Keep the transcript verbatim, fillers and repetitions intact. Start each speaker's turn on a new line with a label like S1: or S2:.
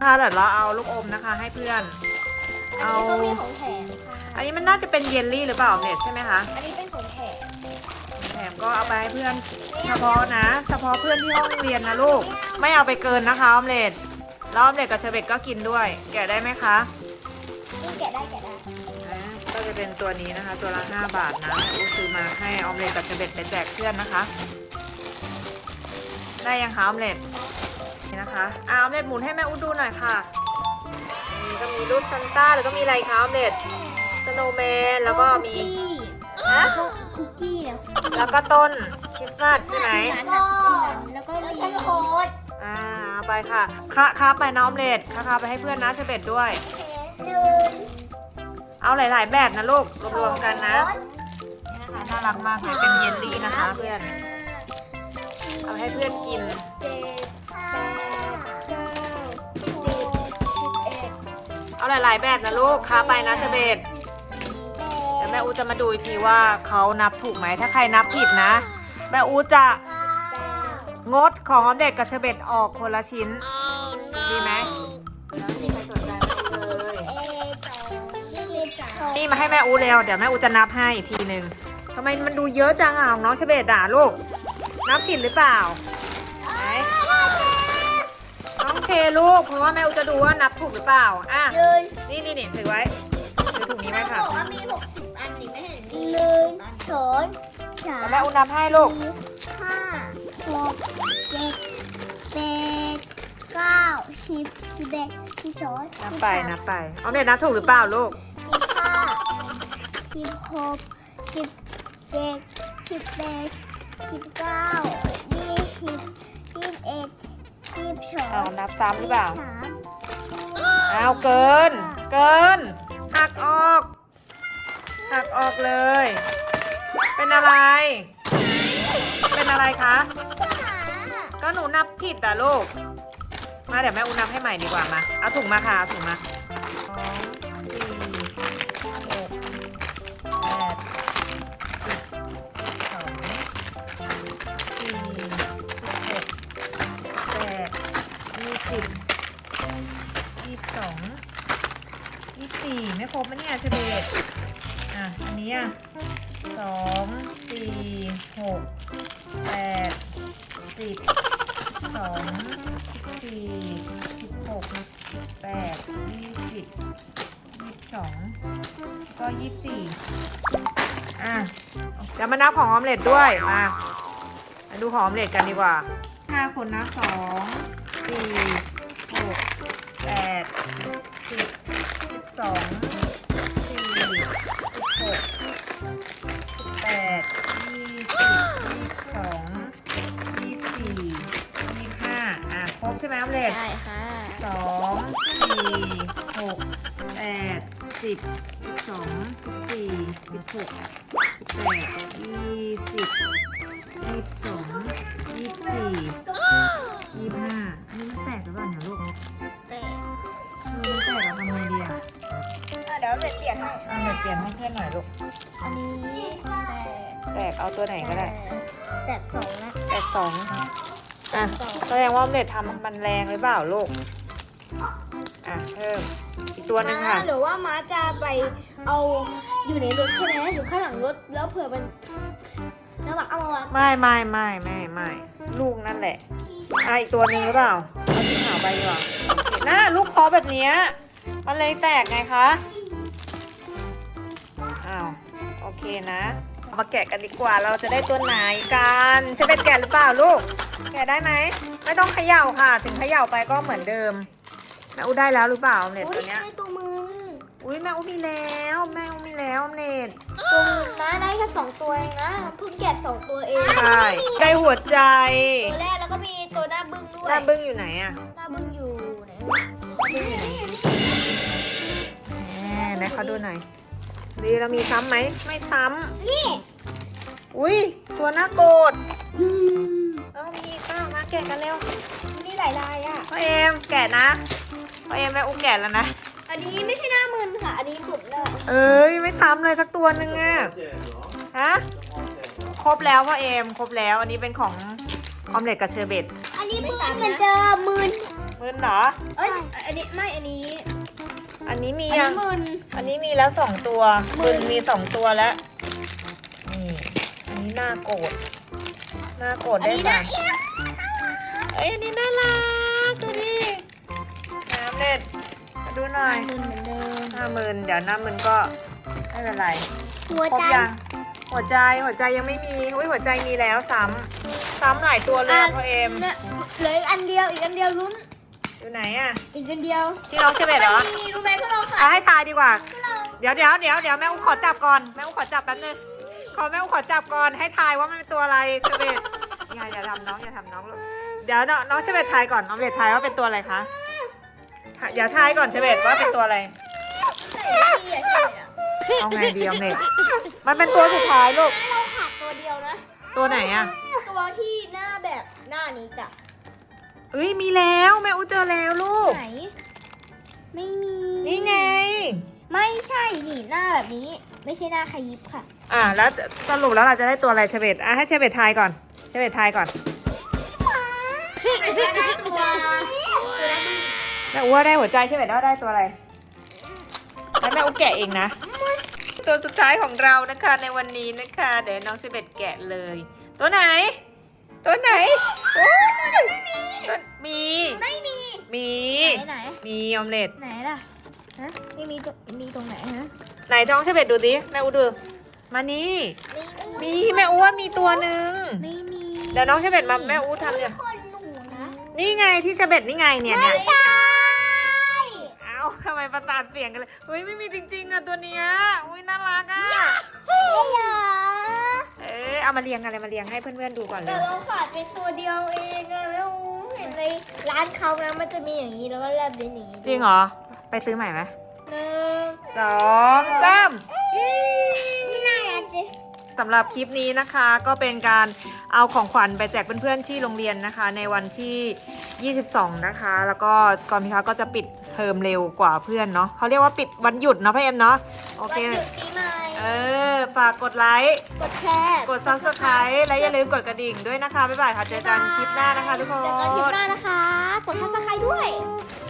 S1: นะคะเดี๋ยวเราเอาลูกอมนะคะให้เพื่อน
S2: อัน
S1: เอา
S2: นี้ก็มีของแถมค่ะ
S1: อันนี้มันน่าจะเป็นเยลลี่หรือเปล่าเนี่ยใช่ไหมคะ
S2: อันนี้เป็นของแถม
S1: แถมก็เอาไปให้เพื่อนเฉพาะนะ เฉพาะเพื่อนที่ห้องเรียนนะลูกไม่เอาไปเกินนะคะออมเล็ตแล้วออมเล็ตกับเชอร์เบตก็กินด้วย แกะได้ไหมคะ
S2: นี่แกะได้แกะได้
S1: อ่าก็จะเป็นตัวนี้นะคะ ตัวละห้าบาทนะอูซื้อมาให้ออมเล็ตกับเชอร์เบตไปแจกเพื่อนนะคะ ได้ยังคะออมเล็ตนี่นะคะอ่าออมเล็ตหมุนให้แม่อูดูหน่อยค่ะนี่ก็มีรูปซันต้าแล้วก็มีอะไรคะออมเล็ตสโนว์แมนแล้วก็มี ฮะ
S2: แล้วก็คุกกี้แล้ว
S1: แล้วก็ต้นคริสต์มาสใช่ไหม
S2: ก็แล้วก็มีโค้ด
S1: อ่าเอาไปค่ะคระคาไปน้อมเล็ดคระคาไปให้เพื่อนนะเชเบตด้วย
S2: หนึ่ง
S1: เอาหลาย ๆ แบบนะลูกรวมๆกันนะนี่นะคะน่ารักมากเลยเป็นเยลลี่นะคะเพื่อนเอาให้เพื่อนกิน
S2: เจ็ดแปดเก้าสิบสิบเอ็ด
S1: เอาหลาย ๆ แบบนะลูกคาไปนะเชเบตเดี๋ยวแม่อูจะมาดูอีกทีว่าเขานับถูกไหมถ้าใครนับผิดนะแม่อูจะงดของออมเด็กกับเชเบตออกคนละชิ้นดีไหมแล้วไม่มีใครสนใจแม่อูเลย นี่มาให้แม่อูเร็วเดี๋ยวแม่อูจะนับให้อีกทีหนึ่งทำไมมันดูเยอะจังอ่ะของน้องเชเบตด่าลูกนับผิดหรือเปล่าไหนน้องเคลูกเพราะว่าแม่อูจะดูว่านับถูกหรือเปล่าอ่ะ
S2: ยืน
S1: นี่นี่นี่ถือไว้ถือถุงนี้ไว้ค่ะ
S2: บอกว่ามีหกสิบอันนี่ไม่เห็นมีหนึ่งสองสาม
S1: แล้วแม่อูนับให้ลูก
S2: สี่ห้าหกเจ็ดแปดเก้าสิบสิบเอ็ดสิบสอง
S1: นับไปนับไปเอาเนี่ยนับถูกหรือเปล่าลูก
S2: สิบห้าสิบหกสิบเจ็ดสิบแปดสิบเก้ายี่สิบยี่สิบเอ็ดยี่สิบสอง
S1: เอานับซ้ำหรือเปล่า
S2: สาม
S1: เอาเกิน เกินหักออกหักออกเลย เป็นอะไร เป็นอะไรคะ ก็หนูนับผิดอ่ะลูก มาเดี๋ยวแม่อูนับให้ใหม่ดีกว่ามา เอาถุงมาค่ะเอาถุงมาสองสี่หกแปดสิบสองสี่หกแปดยี่สิบยี่สิบสองยี่สิบสี่ไม่ครบมั้ยเนี่ยเฉเบตอ่ะ อันนี้อ่ะสองสี่หกแปดสิบสองสี่สิบหกแปดยี่สิบยี่สิบสองก็ยี่สิบสี่อ่ะเดี๋ยวมานับของออมเล็ตด้วยมามาดูของออมเล็ตกันดีกว่าห้าคนนะสองสี่หกแปดสิบสิบสองสี่สิบหกสิบแปดยี่สิบยี่สิบสองยี่สิบสี่ยี่สิบห้าอ่ะครบใช่ไหมออมเล็ต
S2: ได้ค่ะ
S1: สองสี่หกแปดสิบสิบสองสิบสี่สิบหกสิบแปดยี่สิบยี่สิบสองยี่สิบสี่ยี่สิบห้าอันนี้มันแตกหรือเปล่าเนี่ยลูก
S2: แต่
S1: เออมันแตกเราทำไงดีอ่ะ
S2: เดี๋ยวเปลี่ยนให้
S1: เอาเดี๋ยวเปลี่ยนให้เพื่อนหน่อยลูก
S2: อันนี้แต่
S1: แตกเอาตัวไหนก็ได้
S2: แต่สองนะ
S1: แตกสองอ่ะแสดงว่าออมเล็ตทำมันแรงหรือเปล่าลูกอ่ะเพิ่มอีกตัวหนึ่งค่ะ
S2: หรือว่าม้าจะไปเอาอยู่ในรถใช่ไหมอยู่ข้างหลังรถแล้วเผื่อมันแล้วแบบเอามาวาง
S1: ไม่ไม่ไม่ไม่ไม่ลูกนั่นแหละอ่ะอีกตัวหนึ่งหรือเปล่าเอาสีขาวไปดีกว่าน่าลูกคอแบบเนี้ยมันเลยแตกไงคะอ้าวโอเคนะมาแกะกันดีกว่าเราจะได้ตัวไหนกันใช่เป็นแกะหรือเปล่าลูกแกะได้ไหมไม่ต้องเขย่าค่ะ ถึงเขย่าไปก็เหมือนเดิมแม่อูได้แล้วหรือเปล่าออมเล็ตตัวเนี้ย
S2: ได้ตัวมือ
S1: อุ้ยแม่อูมีแล้วแม่อูมีแล้วออมเล็ต
S2: ตัวมือนะได้แค่สองตัวเองนะเพิ่งแกะสองตัวเอง
S1: ใช่ได้หัวใจ
S2: ตัวแรกแล้วก็มีตัวหน้าบึ้งด้วย
S1: หน้าบึ้งอยู่ไหนอะ
S2: หน้าบึ้งอยู่ไหน
S1: แหมไหนเขาดูหน่อยดีเรามีซ้ำไหมไม่ซ้
S2: นี่
S1: ำอุ้ยตัวหน้าโกรธเออมีอีกเปล่ามาแกะกันเร็ว
S2: มีหลายลายอ่ะ
S1: พ่อเอมแกะนะพ่อเอมแม่อูแกะแล้วนะ
S2: อันนี้ไม่ใช่หน้ามืนค่ะ อันนี้หมุดแล้ว
S1: เอ้ยไม่ซ้ำเลยสักตัวหนึ่งอะฮะครบแล้วพ่อเอมครบแล้วอันนี้เป็นของออมเล็ตกับเชอร์เบต
S2: อันนี้มืนเหมือนเดิมมืน
S1: มึนเหรอ
S3: เอ้ยอันนี้ไม่อันนี้
S1: อันนี้มี
S3: อัน
S1: ยั
S3: นี้
S1: ง
S3: มึน
S1: อันนี้มีแล้วสองตัว
S3: มึ
S1: มึ
S3: น
S1: นมีสองตัวแล้ว นี่ อันนี้น่าโกรธน่าโกรธ
S3: อัน
S1: ได้
S3: นี้
S1: ไหม
S3: นะเอี้ย
S1: เอ้ยอันนี้น่ารักดูดิน้ำเล็ดมาดูหน่อย
S3: มึนเหมือนเดิม
S1: หน้ามึนเดี๋ยวหน้ามึนก็ไม่เป็นไร
S2: หัว
S1: ครบ
S2: ใจ
S1: ยังหัวใจหัวใจยังไม่มีอุ้ยหัวใจมีแล้วซ้ำซ้ำหลายตัวเลยอะพ่อเอ็ม
S3: เนี่ยเหลืออีกอันเดียวอีกอันเดียวลุ้น
S1: อยู่ไหนอะ
S3: อีกอันเดียว
S1: ที่น้องเชเบตเหรอ
S3: มีรู้ไหมพวกเราค่ะ
S1: เอาให้ทายดีกว่า เดี๋ยวเดี๋ยวเดี๋ยวเดี๋ยวแม่อุ้ขอจับก่อนแม่อุ้ขอจับแป๊บนึงขอแม่อุ้ขอจับก่อนให้ทายว่ามันเป็นตัวอะไรเชเบตอย่าอย่าทำน้องอย่าทำน้องลูกเดี๋ยวน้องน้องเชเบตทายก่อนน้องเชเบตทายว่าเป็นตัวอะไรคะอย่าทายก่อนเชเบตว่าเป็นตัวอะไร
S3: ใส่ไม่ดีอ่ะใช่อ่ะ
S1: เอาไงดีออมเล็ตมันเป็นตัวสุดท้ายลูก
S3: เราขาดตัวเดียวนะ
S1: ตัวไหนอะ
S3: ตัวที่หน้าแบบหน้านี้จ้ะ
S1: เอ้ยมีแล้วแม่อุ้เจอแล้วลูก
S3: ไหน ไม่มี
S1: นี่ไง
S3: ไม่ใช่นี่หน้าแบบนี้ ไม่ใช่หน้าขยิบค่ะ
S1: อ่าแล้วสรุปแล้วเราจะได้ตัวอะไรเชเบตอ่ะให้เชเบตทายก่อนเชเบตทายก่อน
S3: ได้ตัว
S1: แม่อุ้ว่าได้หัวใจเชเบตว่าได้ตัวอะไรให้แม่อุ้แกะเองนะ ตัวสุดท้ายของเรานะคะในวันนี้นะคะเดี๋ยวน้องเชเบตแกะเลย ตัวไหน ตัวไหนโอ้ยตัวมี
S3: ไม่มี
S1: มี
S3: ไหนไหน
S1: มีออมเล็ต
S3: ไหนล่ะฮะไม่มีตรงมีตรงไหนฮะ
S1: ไหนท้องเชเบตดูดิแม่อุ้ดูมานี่มีแม่อุ้ว่ามีตัวหนึ่ง
S3: ไม่มี
S1: เดี๋ยวน้องเชเบตมาแม่อุ้ทำเนี่ย
S2: คนหนูนะ
S1: นี่ไงที่เชเบตนี่ไงเนี่ยเนี่ย
S2: ใช่
S1: เอ้าทำไมประสาทเปลี่ยนกันเลยเฮ้ยไม่มีจริงๆอ่ะตัวเนี้ยอุ้ยน่ารักอ่ะ
S2: ไม่เหรอ
S1: เออเอามาเรียงกันเลยมาเรียงให้เพื่อนๆดูก่อนเล
S3: แต่
S1: ย
S3: เราขาดเป็นตัวเดียวเองอะไม่รู้เห็นในร้านเขานะมันจะมีอย่างนี้แล้วก็แลบลิ้นอย่างนี้
S1: จริงเหรอไปซื้อใหม่ไหม
S3: หนึ่ง
S1: สองสาม
S2: ไม่น่ารักเลย
S1: สำหรับคลิปนี้นะคะก็เป็นการเอาของขวัญไปแจกเพื่อนๆที่โรงเรียนนะคะ ในวันที่ ยี่สิบสอง นะคะ แล้วก็ก่อนพิคะก็จะปิดเทอมเร็วกว่าเพื่อนเนาะเขาเรียกว่าปิดวันหยุดเนาะพ่อเอ็มเนาะโอ
S3: วัน
S1: เค
S3: หยุดปีใหม่
S1: เออฝากกดไลค์
S3: กดแชร์
S1: กด ซับสไครบ์ และอย่าลืมกดกระดิ่งด้วยนะคะบ๊ายบายค่ะเจอกันคลิปหน้านะคะทุกค
S3: เจอกันคลิป
S1: น
S3: หน้านะคะ กดซับสไครต์ด้วย
S1: บ